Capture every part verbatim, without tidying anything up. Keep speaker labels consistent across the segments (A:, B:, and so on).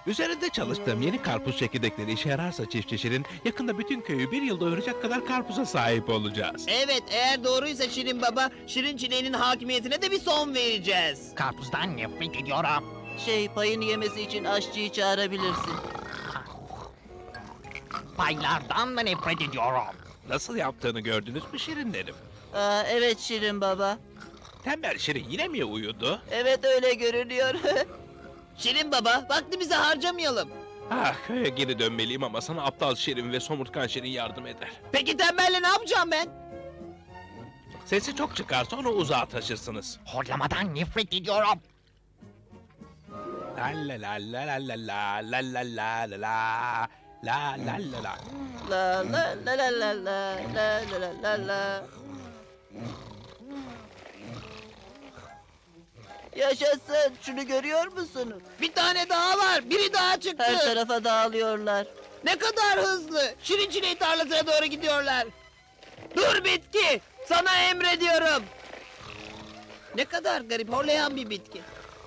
A: Üzerinde çalıştığım yeni karpuz çekirdekleri işe yararsa çiftçi Şirin, yakında bütün köyü bir yıl doyuracak kadar karpuza sahip olacağız.
B: Evet, eğer doğruysa Şirin Baba, Şirin Çileğinin hakimiyetine de bir son vereceğiz.
C: Karpuzdan nefret ediyorum.
D: Şey, payını yemesi için aşçıyı çağırabilirsin.
C: Paylardan da nefret ediyorum.
A: Nasıl yaptığını gördünüz mü Şirinlerim?
D: Aa, evet Şirin Baba.
A: Tembel Şirin yine mi uyudu?
D: Evet, öyle görünüyor.
B: Şirin Baba, vaktimizi harcamayalım.
A: Ah, köye geri dönmeliyim ama sana aptal Şirin ve somurtkan Şirin yardım eder.
B: Peki tembelle ne yapacağım ben?
A: Sesi çok çıkarsa onu uzağa taşırsınız.
C: Horlamadan nefret ediyorum.
A: La la la la la la la la la la la la la la la la.
D: La la la la la la la la la la. Yaşasın, şunu görüyor musunuz?
B: Bir tane daha var, biri daha çıktı.
D: Her tarafa dağılıyorlar.
B: Ne kadar hızlı. Şirin Çileği tarlasına doğru gidiyorlar. Dur bitki, sana emrediyorum. Ne kadar garip, horlayan bir bitki.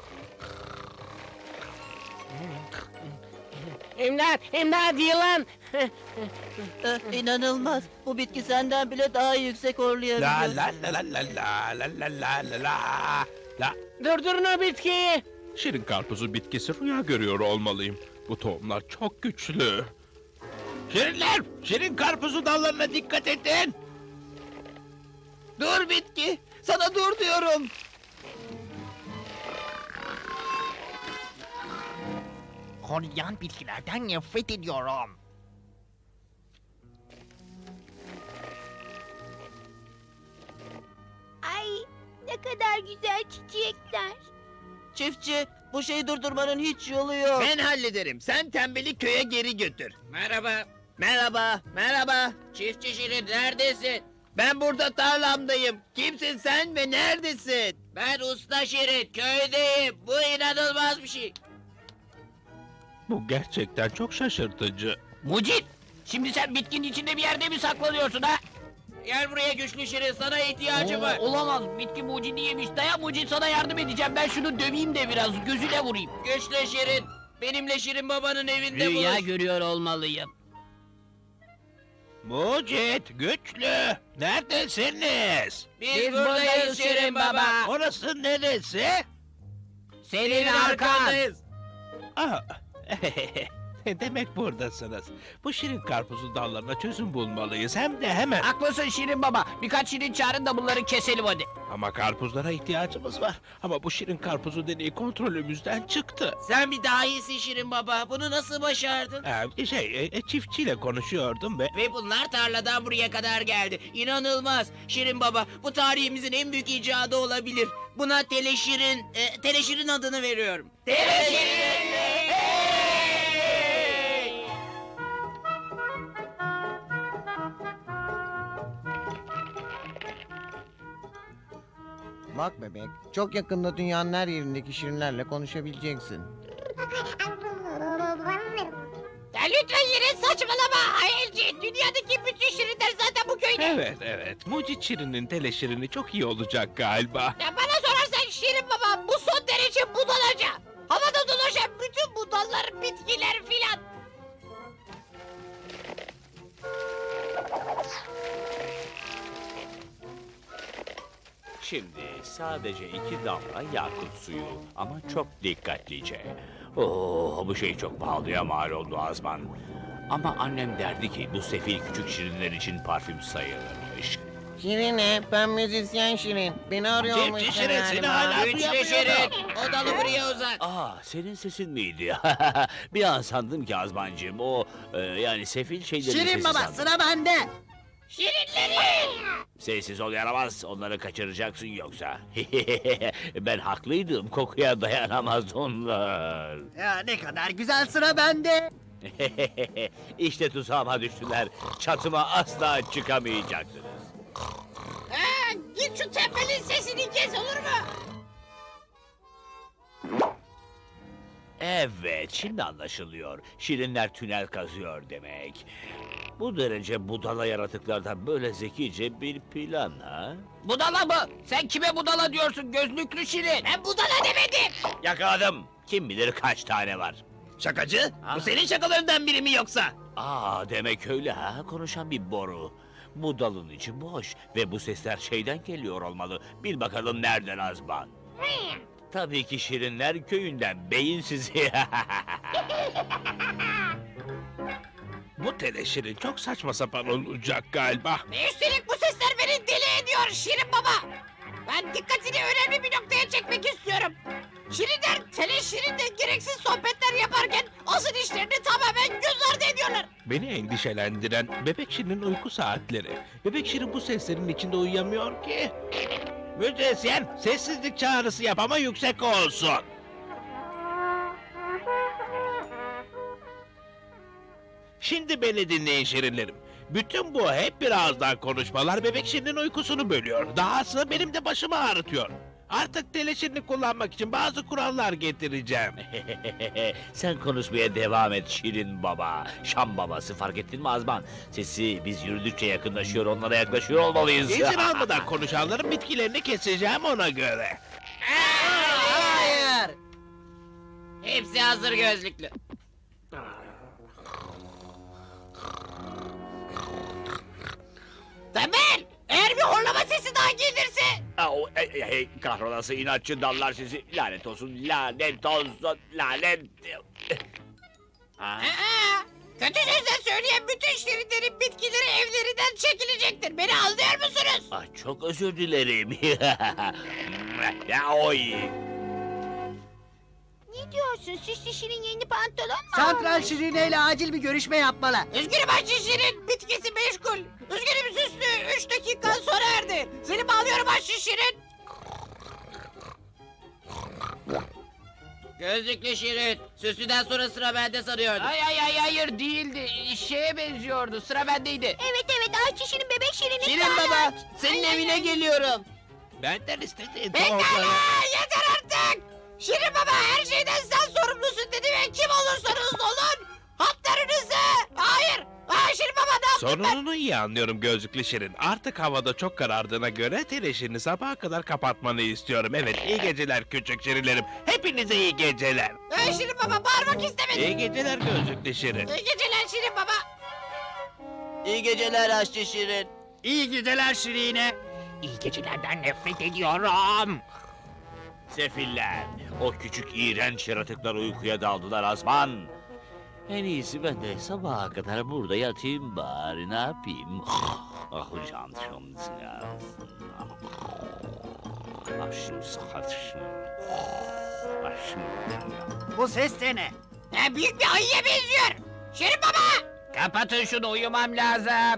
C: İmdat, imdat yılan.
D: Eh, inanılmaz. Bu bitki senden bile daha yüksek
A: La
D: horlayabiliyor.
A: la la la la la la la la la la la.
C: Durdurun o bitkiyi.
A: Şirin karpuzu bitkisi rüya görüyor olmalıyım. Bu tohumlar çok güçlü. Şirinler! Şirin karpuzu dallarına dikkat edin!
B: Dur bitki, sana dur diyorum.
C: Horlayan bitkilerden nefret ediyorum.
E: Ay ne kadar güzel çiçekler.
D: Çiftçi, bu şeyi durdurmanın hiç yolu yok.
B: Ben hallederim, sen tembeli köye geri götür. Merhaba. Merhaba, merhaba. Çiftçi Şirin, neredesin? Ben burada tarlamdayım. Kimsin sen ve neredesin? Ben Usta Şirin, köydeyim. Bu inanılmaz bir şey.
A: Bu gerçekten çok şaşırtıcı.
C: Mucit, şimdi sen bitkinin içinde bir yerde mi saklanıyorsun ha?
B: Gel buraya güçlü Şirin, sana ihtiyacım var.
C: Oo, olamaz, bitki mucidi yemiş. Dayan Mucit, sana yardım edeceğim. Ben şunu döveyim de biraz, gözüne vurayım.
B: Güçlü Şirin, benimle Şirin Baba'nın evinde
C: Rüya
B: buluş.
C: görüyor olmalıyım.
A: Mucit, güçlü, neredesiniz?
B: Biz, buradayız Şirin Baba.
A: Orası neresi?
C: Senin arkan.
A: Ah, demek buradasınız. Bu şirin karpuzun dallarına çözüm bulmalıyız. Hem de hemen.
C: Haklısın Şirin Baba. Birkaç Şirin çağırın da bunları keselim hadi.
A: Ama karpuzlara ihtiyacımız var. Ama bu şirin karpuzu deneyi kontrolümüzden çıktı.
B: Sen bir dahisin Şirin Baba, bunu nasıl başardın?
A: Ee, şey, e, çiftçiyle konuşuyordum ve...
B: Ve bunlar tarladan buraya kadar geldi. İnanılmaz. Şirin Baba, bu tarihimizin en büyük icadı olabilir. Buna Teleşirin, e, Teleşirin adını veriyorum. Teleşirin!
F: Bak bebek, çok yakında dünyanın her yerindeki şirinlerle konuşabileceksin.
E: Ya lütfen yine saçmalama Hayalci. Dünyadaki bütün şirinler zaten bu köyde.
A: Evet, evet. Mucit Şirin'in teleşirini çok iyi olacak galiba.
E: Ya bana sorarsan Şirin Baba bu son derece budalaca. Havada dolaşan bütün budallar, bitkiler filan.
G: Şimdi sadece iki damla yakut suyu ama çok dikkatlice. Oo, bu şey çok pahalıya mal oldu Azman. Ama annem derdi ki bu sefil küçük şirinler için parfüm sayılırmış.
F: Şirine, ben müzisyen Şirin. Beni arıyormuş
A: Cipci Şirin, seni
F: galiba.
A: hala
B: Güçlü
A: duyamıyorum.
B: Şirin, o dalı buraya uzat.
G: Aa, senin sesin miydi? Bir an sandım ki Azmancığım o e, yani sefil şeylerin sesi
D: Şirin Baba,
G: sandım.
D: sıra bende.
E: Şirinlerin.
G: Sessiz ol yaramaz, onları kaçıracaksın yoksa. Ben haklıydım, kokuya dayanamaz onlar.
D: Ya ne kadar güzel, sıra bende.
G: İşte tuzağıma düştüler. Çatıma asla çıkamayacaksınız.
E: Ha, git şu tembelin sesini kes olur mu?
G: Evet, şimdi anlaşılıyor. Şirinler tünel kazıyor demek. Bu derece budala yaratıklardan böyle zekice bir plan ha?
C: Budala mı? Sen kime budala diyorsun gözlüklü Şirin?
E: Ben budala demedim.
G: Yakaladım. Kim bilir kaç tane var.
B: Şakacı,
G: Ha?
B: bu senin şakalarından biri mi yoksa?
G: Aa, demek öyle ha, konuşan bir boru. Bu dalın içi boş ve bu sesler şeyden geliyor olmalı. Bil bakalım nereden Azman? Tabii ki Şirinler köyünden, beyinsizi.
A: Bu teleşirin çok saçma sapan olacak galiba.
E: Ve üstelik bu sesler beni deli ediyor Şirin Baba. Ben dikkatini önemli bir noktaya çekmek istiyorum. Şirinler teleşirinle gereksiz sohbetler yaparken asıl işlerini tamamen göz ardı ediyorlar.
A: Beni endişelendiren Bebek Şirin'in uyku saatleri. Bebek Şirin bu seslerin içinde uyuyamıyor ki. Müzisyen, sessizlik çağrısı yap ama yüksek olsun. Şimdi beni dinleyin Şirinlerim. Bütün bu hep birazdan konuşmalar Bebek Şirin'in uykusunu bölüyor. Dahası benim de başımı ağrıtıyor. Artık teleşirini kullanmak için bazı kurallar getireceğim.
G: Sen konuşmaya devam et Şirin Baba. Şam babası, fark ettin mi Azman? Sesi biz yürüdükçe yakınlaşıyor, onlara yaklaşıyor olmalıyız.
A: İzin almadan konuşanların bitkilerini keseceğim ona göre.
D: Hayır.
B: Hepsi hazır gözlüklü.
E: Tembel! Eğer bir horlama sesi daha gelirse...
G: Aa, o, ey, ey, ey, kahrolası inatçı dallar sizi. Lanet olsun, lanet olsun, lanet. Ha?
E: Aa, kötü sözler söyleyen bütün şirinlerin bitkileri evlerinden çekilecektir. Beni anlıyor musunuz?
G: Ah, çok özür dilerim. Ya oy.
E: Ne diyorsun? Süslü Şirin yeni pantolon mu?
D: Santral Şirine ile acil bir görüşme yapmalı.
E: Üzgünüm Ayşe Şirin. Bitkisi meşgul. Üzgünüm Süslü. Üç dakikan sona erdi. Seni bağlıyorum Ayşe Şirin.
B: Gözlüklü Şirin, süslüden sonra sıra bende sanıyordum.
C: Ay ay ay hayır değildi. Şeye benziyordu. Sıra bendeydi.
E: Evet evet Ayşe Şirin bebek Şirin'in
B: Şirin baba, senin evine geliyorum.
A: Benden istediğin
E: Pekala
A: tohumları...
E: yeter artık. Şirin baba her şeyden sen sorumlusun dedi ve kim olursanız olun haklarınızı. Hayır. Hayır Şirin baba ne yaptın ben?
A: Sorununu iyi anlıyorum gözlüklü Şirin. Artık havada çok karardığına göre teleşirini sabaha kadar kapatmanı istiyorum. Evet, iyi geceler küçük Şirinlerim. Hepinize iyi geceler.
E: Ay Şirin baba bağırmak istemedim.
A: İyi geceler gözlüklü Şirin.
E: İyi geceler Şirin baba.
D: İyi geceler Aşçı Şirin.
B: İyi geceler Şirine.
C: İyi gecelerden nefret ediyorum.
G: Sefiller, o küçük iğrenç yaratıklar uykuya daldılar Azman. En iyisi ben de sabaha kadar burada yatayım bari, ne yapayım? Ah hocam, başım sıkıştı. Başım.
D: Bu ses de ne?
E: Ne büyük bir ayıya benziyor. Şirin baba.
C: Kapatın şunu uyumam lazım.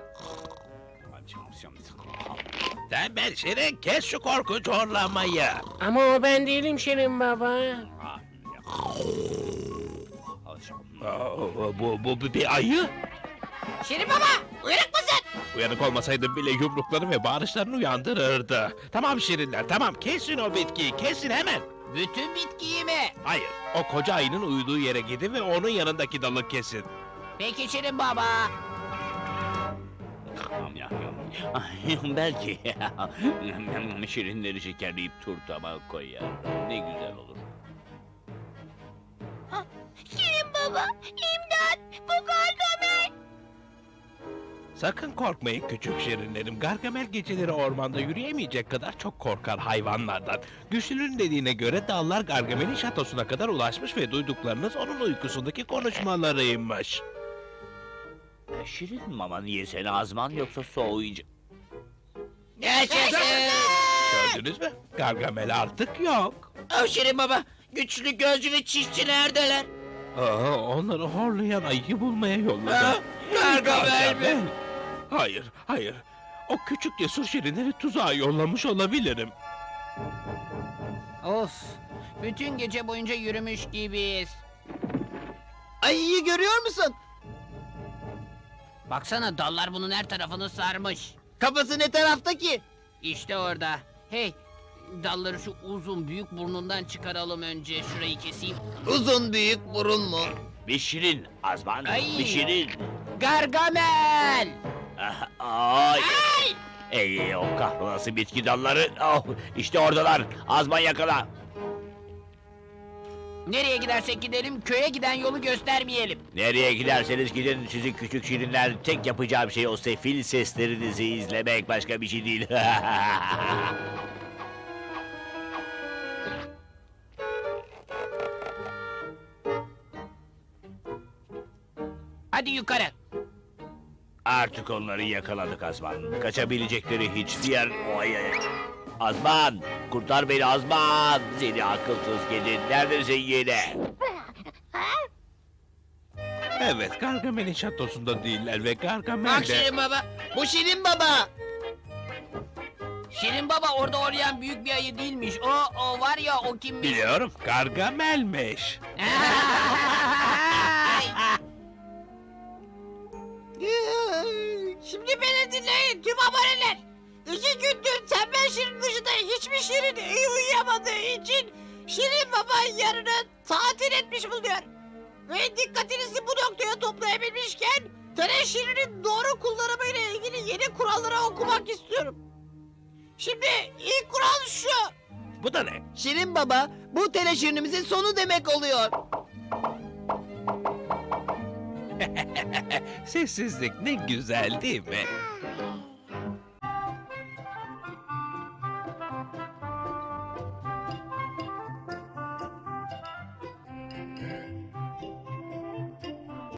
A: Tembel Şirin, kes şu korkunç horlamayı.
H: Ama o ben değilim Şirin Baba.
A: Aa, bu, bu, bu bir ayı.
E: Şirin baba uyanık mısın?
A: Uyanık olmasaydım bile yumrukları ve bağırışlarını uyandırırdı. Tamam Şirinler, tamam kesin o bitkiyi, kesin hemen.
C: Bütün bitkiyi mi?
A: Hayır, o koca ayının uyuduğu yere gidin ve onun yanındaki dalı kesin.
C: Peki Şirin Baba.
G: Belki şirinleri şekerleyip turtama koyar. Ne güzel olur.
E: Şirin baba imdat bu Gargamel.
A: Sakın korkmayın küçük şirinlerim. Gargamel geceleri ormanda yürüyemeyecek kadar çok korkar hayvanlardan. Güçlünün dediğine göre dallar Gargamel'in şatosuna kadar ulaşmış ve duyduklarınız onun uykusundaki konuşmalarıymış.
G: Şirin mama yesene Azman, yoksa soğuyucu.
B: Yaşasın.
A: Gördünüz mü? Gargamel artık yok.
B: Oh Şirin baba, güçlü gözlü çiftçi neredeler?
A: Aa, onları horlayan ayıyı bulmaya yolladım.
B: Ha? Gargamel mi?
A: Hayır, hayır. O küçük cesur şirinleri tuzağa yollamış olabilirim.
C: Of. Bütün gece boyunca yürümüş gibiyiz.
D: Ayıyı görüyor musun?
C: Baksana dallar bunun her tarafını sarmış.
D: Kafası ne tarafta ki?
C: İşte orada. Hey, dalları şu uzun büyük burnundan çıkaralım önce. Şurayı keseyim.
B: Uzun büyük burun mu?
G: Bir şirin Azman,
C: Ay.
G: bir şirin.
C: Gargamel!
G: Ah, Ay. Ey o kahrolası bitki dalları. Oh, işte oradalar. Azman yakala.
C: Nereye gidersek gidelim köye giden yolu göstermeyelim.
G: Nereye giderseniz gidin, sizin küçük şirinler, tek yapacağım şey o sefil seslerinizi izlemek, başka bir şey değil.
C: Hadi yukarı.
G: Artık onları yakaladık Azman. Kaçabilecekleri hiçbir yer... Oy, ay, ay. Azman! Kurtar beni Azman! Seni akılsız gidin. Neredesin yine?
A: Evet, Gargamel'in şatosunda değiller ve Gargamel
B: Bak
A: de...
B: Şirin Baba. Bu Şirin Baba.
C: Şirin Baba orada oynayan büyük bir ayı değilmiş. O, o var ya o kimmiş?
A: Biliyorum, Gargamel'miş.
E: Şimdi beni dinleyin tüm aboneler. İki gündür tembel Şirin dışında hiçbir Şirin iyi uyuyamadığı için Şirin Baba yarını tatil etmiş bulunuyor. Ve dikkatinizi bu noktaya toplayabilmişken Tele Şirin'in doğru kullanımıyla ilgili yeni kuralları okumak istiyorum. Şimdi ilk kural şu.
A: Bu da ne?
B: Şirin Baba, bu teleşirinimizin sonu demek oluyor.
A: Sessizlik ne güzel değil mi?